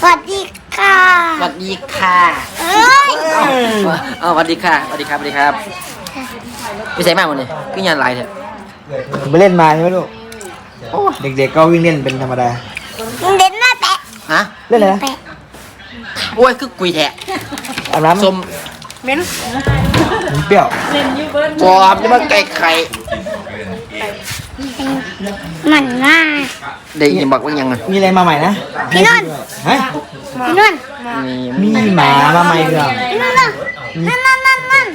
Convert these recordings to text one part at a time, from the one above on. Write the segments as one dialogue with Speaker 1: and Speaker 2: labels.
Speaker 1: วัสดีค่ะ
Speaker 2: สวัสดีค่ะสวัสดีค่ะสวัสดีครับสวัสดีครับไปใส่มากหมดเลยขึ้นยันลายเถอะ
Speaker 3: ไปเล่นมาใช่ไหมลูกเด็กๆก็วิ่งเล่นเป็นธรรมดา
Speaker 1: เล่นหน้าแปะ
Speaker 2: ฮะ
Speaker 3: เล่นอะไรนะ
Speaker 2: โอ้ยคือกุยแทะ
Speaker 3: อาบน้ำ
Speaker 2: ส้ม
Speaker 3: เม้นเปรี้ยว
Speaker 2: ปอมนี่มันไก่ไข่
Speaker 1: มันมาก
Speaker 2: เด็กยังบอกว่ายังไง
Speaker 3: มีอะไรมาใหม่นะ
Speaker 1: พี่นนท์
Speaker 3: ฮะ
Speaker 1: พี่นนท์
Speaker 3: มีหมามาใหม่เหรอ
Speaker 1: พี่นนท์นั่น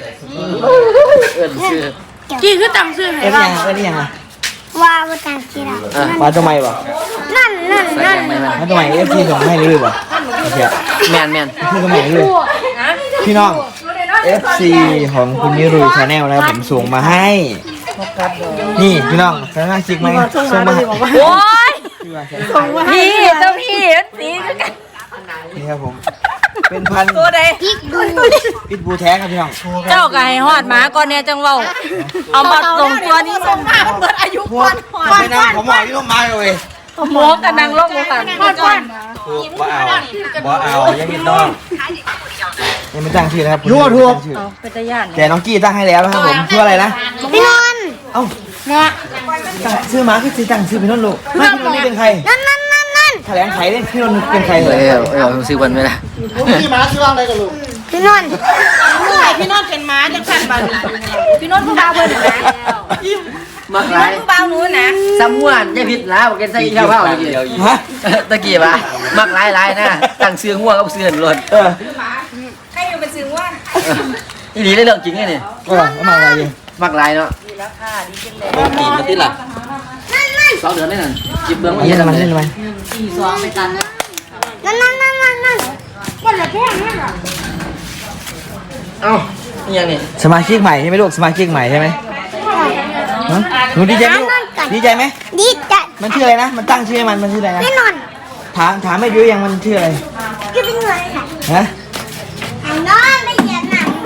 Speaker 4: กี่คือตังซื้อให้เรา
Speaker 3: เอ็นยังไง
Speaker 1: ว่าว่าต่างที่เรา
Speaker 3: ว่าทำไมบ่
Speaker 1: นั่น
Speaker 3: ว่าทำไมFCส่งให้เลยบ่โอเค
Speaker 2: แมน
Speaker 3: คือทำไมเลยพี่น้อง FC ของคุณนิรุยชาแนลนะครับผมส่งมาให้นี่พี่น้องสามารถจิกไหมส่งมา
Speaker 4: โอ้ยพี่เจ้าพี่สีกัน
Speaker 3: นี่ครับผมเป็นพัน
Speaker 4: ตัวใด
Speaker 3: พิทบูแท้ครับพี่น้อง
Speaker 4: เจ้าก็ให้ฮอดหมาก่อนเนี่ยจังเว้าเอามาส่งตัวนี้ส่งมาเปิดอายุก่อน
Speaker 3: ไม่นั่งผมหมอที่ต้องมาเลย
Speaker 4: หมอกับนางลงหัวกันก่อน
Speaker 3: บ่เอายังมีน้องยังไม่ตั้งชื่อนะครับ
Speaker 4: ทั่วเป็นตาย่าน
Speaker 3: แต่น้องกี้ตั้งให้แล้วนะครับผมชื่ออะไรนะ
Speaker 1: พี่นนท์
Speaker 3: เอ้าชื่อหมาคือตั้งชื่อพี่นนท์ลูกไม่พี่นนท์นี่เป็นใคร
Speaker 1: นั่น
Speaker 3: แถลงไขเลยพี่นนท์เป็นใคร
Speaker 2: เลยซื้อวันไม่ได้
Speaker 3: พี่หมาชื่ออะไรกันลูก
Speaker 1: พี่นนท์
Speaker 4: พี่นนท์เป็นหมาจังสั่นบาดพี่นนท์ผู้บ่าวเพิ่นนะ
Speaker 2: มักไร
Speaker 4: ผู้บ่าวหนูนะ
Speaker 2: สามวนยายพิษแล้วบอกกันใส่ข้าวเผาตะกี้
Speaker 3: ฮะ
Speaker 2: ตะกี้ปะมักไรนะตั้งเสื้อง่วงกับเสื้อหล่น
Speaker 4: ใครอยู่เป็นซื้อว่า
Speaker 2: อีหลีได้เรื่องจริงไงเนี่ย
Speaker 3: มาอะไรอยู่
Speaker 2: มักไรเนาะ
Speaker 4: ดีแล้วค่ะดีจังเลย
Speaker 2: กินมาที่หลัง2 เดือนได้นั่นจิบเบื้องมา
Speaker 3: เย็นมันเล่นไป
Speaker 4: 4-2ไปตัน
Speaker 1: นั่นคนละแท่งนั่นเหรอ
Speaker 2: เอ้านี่ยังนี่
Speaker 3: สมาชิกใหม่ใช่ไหมลูกสมาชิกใหม่ใช่ไหมหนูดีใจไหมดีใจไหม
Speaker 1: ดีใจ
Speaker 3: มันชื่ออะไรนะมันตั้งชื่อให้มันชื่ออะไรนะ
Speaker 1: พี่นนท์
Speaker 3: ถามไม่รู้ยังมันชื่ออะไร
Speaker 1: ชื่อเป็นไง
Speaker 3: ฮะ
Speaker 1: ไอ้น้องไม่เขียนหนัง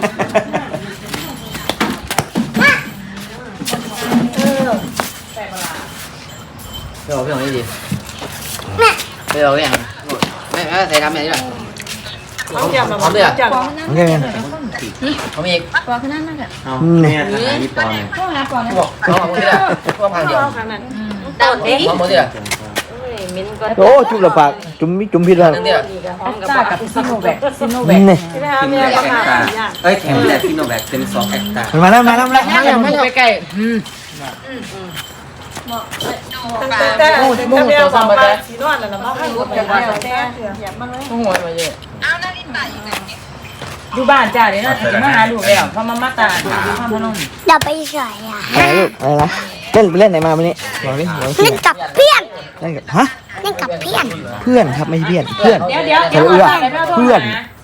Speaker 2: ไปเอาพี่ของนี่ดิไปเอาอย่างไม่ใส่ดำอย่างนี้หรอพร้อมเลยอ่ะ
Speaker 3: โอเคกัน
Speaker 2: พร้อมอีก
Speaker 4: ปอขึ้นนั่นนั่นแหละ
Speaker 3: เนี่ย
Speaker 2: นี่ปอนเนี่ย
Speaker 4: ก็หาก่อนนะ
Speaker 2: บอกเอาหมดเลยอ่ะพวกพังเดียว
Speaker 4: ต้นเอง
Speaker 2: หมดเลยอ่ะ
Speaker 3: โอ้จุ่มละปากจุ่มพิษแล้ว
Speaker 2: เนี่ย
Speaker 4: กับซิโนแวค
Speaker 3: นี่
Speaker 2: แข็งแรงซิโนแวคเป็น2 แอคตา
Speaker 3: มาแล้ว
Speaker 2: ไปใกล้
Speaker 4: แต่เดียวสองใบสีนวลแล้วมาให้รถกันแล้วแต่มันเลย
Speaker 2: หัวมาเยอะ
Speaker 4: อยู่บ้านจ้าเดี๋ยวน่าจะมาหาลูกแล้วเพราะมาตาอยู่ข้างพนม
Speaker 1: เดี๋ยวไปเฉยอ่ะ
Speaker 3: อะไรลูกอะไรนะเล่นไหนมาวันนี้บอกดิ
Speaker 1: เล่นกับเพื่อน
Speaker 3: เล่นกับฮะ
Speaker 1: เล่นกับเพื่อน
Speaker 3: ครับไม่ใช่เพื่อน
Speaker 4: เดี๋ยว
Speaker 3: เพื่อน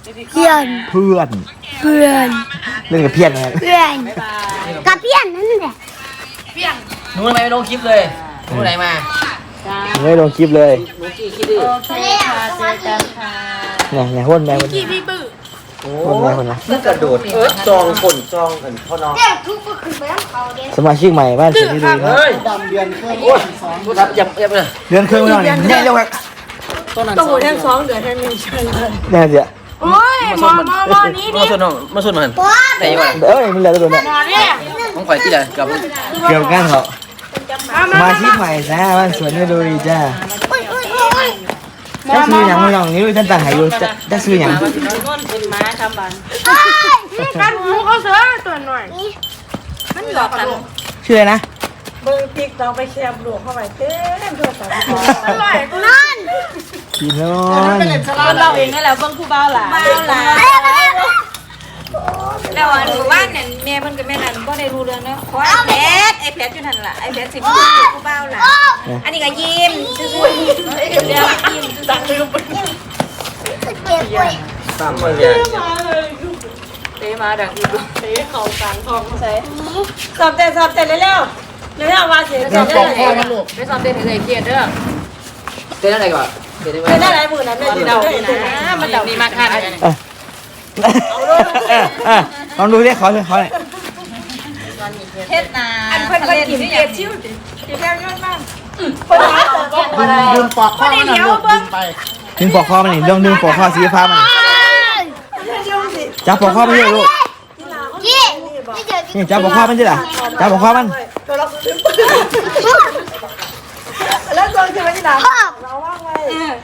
Speaker 3: เล่นกับเพื่อนนะครับ
Speaker 1: กับเพื่อนนั่นแหละ
Speaker 2: หนูทำไมไม่ลงคลิปเลยหนูไหนมา
Speaker 3: ไม่ลงคลิปเลย
Speaker 2: หนูกี่คลิปดิ
Speaker 4: โอเคค่ะเจอกันค่ะ
Speaker 3: เนี่ยหุ่นแม่คนนี้
Speaker 4: พี่บื้อ
Speaker 3: หุ่นแม่คนนะ
Speaker 2: มันกระโดดจองคนจองกันพ่อน้อง
Speaker 3: สมาชิกใหม่บ้านสุดที่ดีครับ
Speaker 2: เดือนเครื่องรับยับเลย
Speaker 3: เดือนเครื่องไม่ต้องเนี่ยเร็วครับ
Speaker 4: ตู้แทง2 เดือนแทง1ใช่เลย
Speaker 3: เนี่ยเดี๋ยว
Speaker 4: โอ้ยมอนี้ดิ
Speaker 2: มาส่วนมันแต่ยังไง
Speaker 3: มันเหลือตัวเนี่ย
Speaker 2: ต้องข่อยที่ไหนกับ
Speaker 3: เกี่ยวกันเหรอสมาชิกใหม่จ้าบ้านสวนนี่ดูดีจ้าจะซื้ออย่างไม่ลองนี่ดูท่านต่างหายดูจะซื้ออย่าง
Speaker 4: เป็นม้าทำบันกันหูเขาเสือตัวหน่อยมันหลอกกัน
Speaker 3: ชื่ออะไรนะ
Speaker 4: เบิ้งติ๊กเราไปแคบหลวงเข้าไปเต็มตัวสาวอร่อยกู
Speaker 1: นั่น
Speaker 3: พี่น้อง
Speaker 4: เราเองนี่แหละเบิ้งผู้เบาหล่ะแล้วอันว่าเนี่ยแม่เพิ่นกับแม่นั่นก็ได้รู้เรื่องเนาะเพราะไอ้แพทอยู่นั่นล่ะไอ้แพทสิผู้เบาล่ะอันนี้ก็ยิ้มซื่อๆเดี๋ยวยิ้มตั้งลืมไป
Speaker 2: ตามมาเลย
Speaker 4: เตะมาดังอีกเตะเข่ากลางท้องใส่สอบเต้นเร็วว่าเสียสอบเต้นให้ลูกไปสอบเต้นให้เกียรติเด้อ
Speaker 2: เต้นอะไรก่อน
Speaker 4: เต้นอะไรมื้อนั้นแม่สิเดานะมันเดานี่มาคัน
Speaker 3: ลองดูดิขอเลย
Speaker 4: เทศนาอันเพิ่นก็กินเกียรติชิวดิแค่ยอดมากเพิ่นหาตัวบ่ได้
Speaker 3: ลืมปอกข้าวมันเดี๋ยวเบิ่ง
Speaker 4: เ
Speaker 3: ดึงปอกคอมันนี่ดึงปอกคอสีฟ้ามันจับปอกคอมันเยอะลูก
Speaker 1: ยี่
Speaker 3: นี่จับปอกคอมันใช่หรอจับปอกคอมัน
Speaker 5: แล้วโดนใช่ไหมที่หลัง
Speaker 1: พ่อ
Speaker 5: เราว่างไว้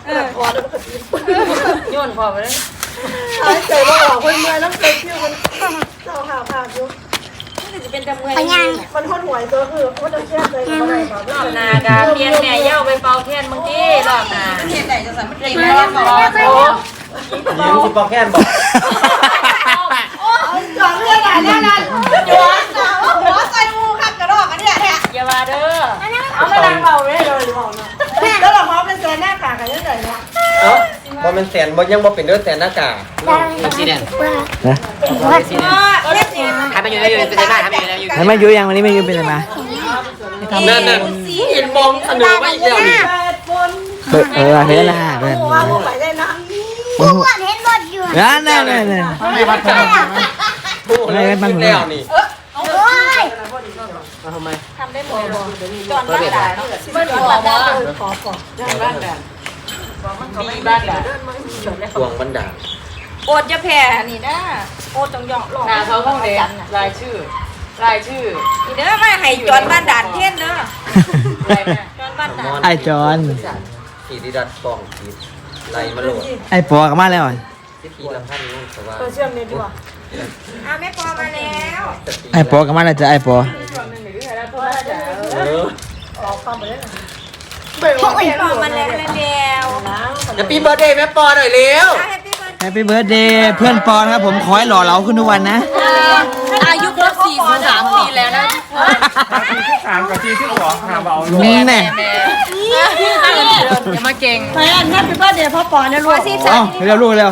Speaker 4: โยนพอไปเลย
Speaker 5: หายใจว่าออกคนเมื่อยน้ำเกลือคิ้วมันเจ้าหาผ่าอยู่
Speaker 4: จะเป็นจำเมื่อย
Speaker 1: พยัง
Speaker 5: มันคนหวยตัวคือมันจะแค่ใจอะไรแบบ
Speaker 4: รอบนากาเพียนแม่เย้าไปเป่าเทียนบางทีรอบนาเทียนไหนจะสั่นมันตีแม่บอกโอ้
Speaker 3: ยิงสิปอกแค่นบอก
Speaker 5: หลังเรื่องไหนเนี่ยนั่นหัวใจงูขัดกระรอกอันนี้แหละ
Speaker 4: อย่ามาเด้อ
Speaker 5: เอามาดังเบาเลยเลยบอกนะแล้วเราพร้อมเป็นแซนหน้ากากกันยังไงเนี่ย
Speaker 6: เอ้าบ่เป็นแสนบ่ยังบ่เป็นเด้อแสนหน้ากาก
Speaker 2: มันสีแดง
Speaker 3: นะ
Speaker 2: สีแดงทำไปอยู่ในอยู่เป็นไงบ้างทำไปอยู่ในอยู่
Speaker 3: ให้มาอยู่ยังวันนี้ไม่อยู่เป็นอะไรมา
Speaker 6: นั่นเห็นมองเสนอมาอีกแล้วนี่
Speaker 3: เห็นละเห็น
Speaker 5: ว่าพวกไปได้นะ
Speaker 1: กูว่าเห็นรถอยู่
Speaker 3: นั่น
Speaker 2: ไม่วัดกัน
Speaker 6: โอ้โหแล้วนี่
Speaker 1: โอ้ย
Speaker 2: ทำไม
Speaker 4: ทำได้หมดจอนบ้านด่าเนาะไม่จอนบ้านด่าขอบ้านด่ามีบ้านด่า
Speaker 6: ทวงบันดาล
Speaker 4: โอดจะแผ่นี่นะโอดจังยองหลอก
Speaker 7: นาเขาห้องเด็กรายชื่อ
Speaker 4: นี่เด้อไม่ให้จอนบ้านด่านเทียนเด้อ
Speaker 7: อะไรแม่
Speaker 4: จอนบ้านด่าน
Speaker 3: ไอ้จอน
Speaker 6: ขี่ดิดัดฟองขีดไหลมาโหลด
Speaker 3: ไอ้ปอกันมาแล้ว
Speaker 6: ขี่ละพันนู่นสว่า
Speaker 5: เชื่อมเนี่ยดีกว่า
Speaker 4: อ้าวแม่ปอมาแล้ว
Speaker 3: ไอ้ปอกันมาแล้วจ้ะไอ้ปอ
Speaker 6: เออ
Speaker 4: แม่ปอมาแล้วแล้ว
Speaker 6: จะปีเบิร์ดเดย์แม่ปอหน่อยเร็ว
Speaker 4: แฮปปี้เบิร์ด
Speaker 3: แฮปปี้เบิร์ดเดย์เพื่อนปอนะครับผมขอให้หล่อเหลาขึ้นทุกวันนะ
Speaker 7: อายุครบ43 ปีแล้วนะ
Speaker 3: นี่แน่
Speaker 7: อย่ามาเก่ง
Speaker 5: ไปอันนั้นเป็นบ้านเดียวพ่อปอเนี่ยลูก
Speaker 3: เร็วลูกเร็ว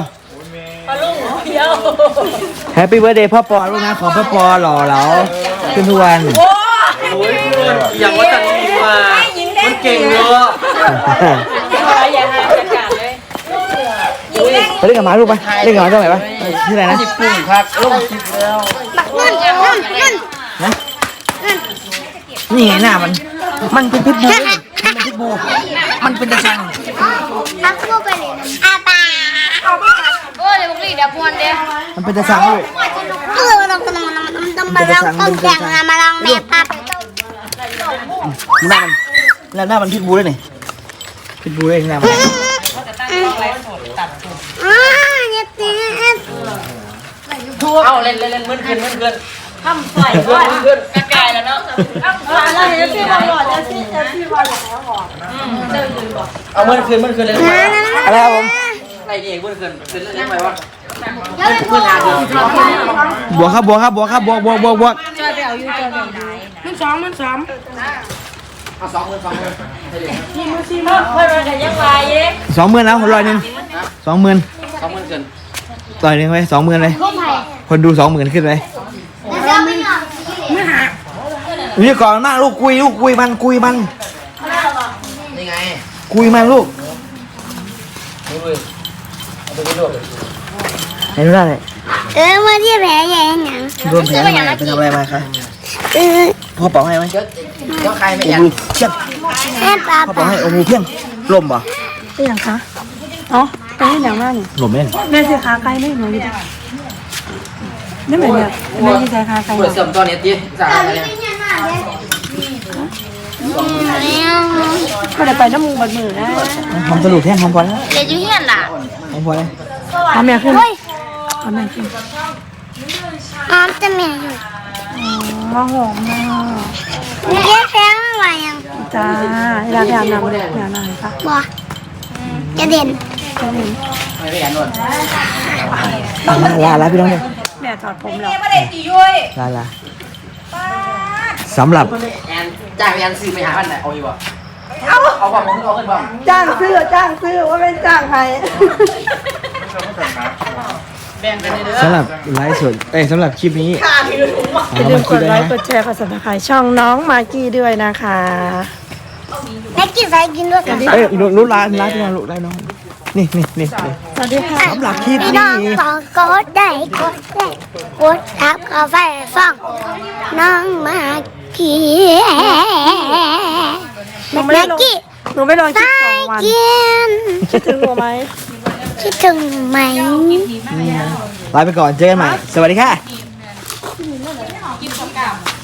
Speaker 3: แฮปปี้เบิร์ดเดย์พ่อปอลูกนะขอพ่อปอหล่อเหลาขึ้นทุกวัน
Speaker 6: โอ้ยอย่างว่าจังนี้มามันเก่งเนอะ
Speaker 7: อย่าหาประกาศเลย
Speaker 3: ไปเล่นกับหมาลูกไปเล่นกับหมาตรงไหนปะที่ไหนนะ
Speaker 2: ปุ่งครับลงคลิปแล้ว
Speaker 1: นั่น
Speaker 3: นะนี่ไงหน้ามันเป็นพิษบูมันเป็นพิษบูมันเป็นตะชัง
Speaker 1: ทักพวกไปเลยอาปา
Speaker 7: โอ้ยเดี๋ยวพวกนี้เดี๋ยวพวนเดี๋ยว
Speaker 3: มันเป็นตะชังลูก
Speaker 1: ต้องมาลองต้องแข่งมาลองแม่ปั๊บ
Speaker 3: หน้ามันแล้วหน้ามันพิษบูเลยนี่พิษบูเลยหน้ามัน
Speaker 1: เนี่ยตี
Speaker 7: เอาเล่นมึนขึ้น
Speaker 4: ทำใส่ว่า
Speaker 7: ใกล้แล้วเนาะ
Speaker 5: อะไรเอฟซีบอลหลอดเอฟซีบอลอย่างแล้วหอด
Speaker 6: เอาเมื่อคืนเลย
Speaker 3: อะไรครับผม
Speaker 6: อะไรเองเมื่อคืนเล่นไปว่า
Speaker 2: พื้นฐานเดียว
Speaker 3: บวกครับบวกครับบวกครับบวก
Speaker 2: เอาสองมือ
Speaker 4: เพื่อนมันกันยังไงเย้
Speaker 3: 20,000แล้ว100นึง20,000
Speaker 2: 2มือเกิน
Speaker 3: ต่อยหนึ่งไป20,000เลยคนดู20,000ขึ้นไป
Speaker 1: แล้วไม่หรอก
Speaker 3: นี่ก่อนมากลูกคุยมัน
Speaker 2: นี่ไง
Speaker 3: คุยมันลูก
Speaker 2: ดูเลยเอาไปดูเลย
Speaker 3: เห็นดูได้เลย
Speaker 1: มาที่แผลใหญ่หนัง
Speaker 3: รวมแผลมาไปทำอะไรมาคะพ่อเป่าให้ไหม
Speaker 2: เจ้าใครไม่
Speaker 3: โอ้
Speaker 2: ยัน
Speaker 3: โหเพี้ยง
Speaker 1: แม่ปั๊บ
Speaker 3: พ่อเป่าให้โอ้โหเพี้ยงลมป่ะ
Speaker 5: เป็นอย่างคะอ๋อเป็นอย่างนั้นนี่
Speaker 3: ลมเล่น
Speaker 5: แม่สิขาใครไม่เหมือนกันนี่เหมือนแบบแม่สิขาใคร
Speaker 2: เปิดเสริมตอนนี้ตีสั่งอะไร
Speaker 5: ก็เลยไปน้ำมูบัดมือนะ
Speaker 3: หอมสรุปแท่งหอมพอแล้ว
Speaker 7: เดี๋ยวอยู่เฮียนล่ะ
Speaker 3: หอมพอแล้ว
Speaker 5: เอาแม่ขึ้นเอาแม่ขึ้น
Speaker 1: อ้อมจะแม่อยู่
Speaker 5: มาหอมนะ
Speaker 1: เย้แพ้อะไรยัง
Speaker 5: จ้าอยากอาบน้ำเลยอยากน้ำค่ะ
Speaker 1: บ่จะเด่น
Speaker 2: ไม่ยันนวด
Speaker 3: ลาพี่น้องเลย
Speaker 5: แม่ถอดผมแล้ว
Speaker 4: ไม่ได้ตีย้อย
Speaker 3: ลาสำหรับ
Speaker 2: แอนจ้างไปยันซื้อไปหาพันไหนเอาอยู่บ่เอาความมึงเอาขึ้นบ้าง
Speaker 5: จ้างซื้อว่าเป็นจ้างใคร
Speaker 2: แบ่งกันเด้อ
Speaker 3: สำหรับไลฟ์สดสำหรับคลิปนี้
Speaker 5: อย่าลืมกดไลค์กดแชร์กด Subscribe ช่องน้องมากกี้ด้วยนะคะ
Speaker 1: แม่กินใส่กินด้วยกัน
Speaker 3: รู้ร้านพี่น้องรู้ได้น้องนี่
Speaker 5: สวัสดีค่ะ
Speaker 3: สำหรับคลิป
Speaker 1: พี่
Speaker 3: นี้
Speaker 1: น้องบอกกดได้กดทับกาแฟฟังน้องมากี้แม่กี้
Speaker 5: หนูไม่ลองคลิป
Speaker 1: ใส่กิน
Speaker 5: คิดถึงหัวไหม
Speaker 1: คิดถึงไหม
Speaker 3: ลาไปก่อนเจอกันใหม่สวัสดีค่ะ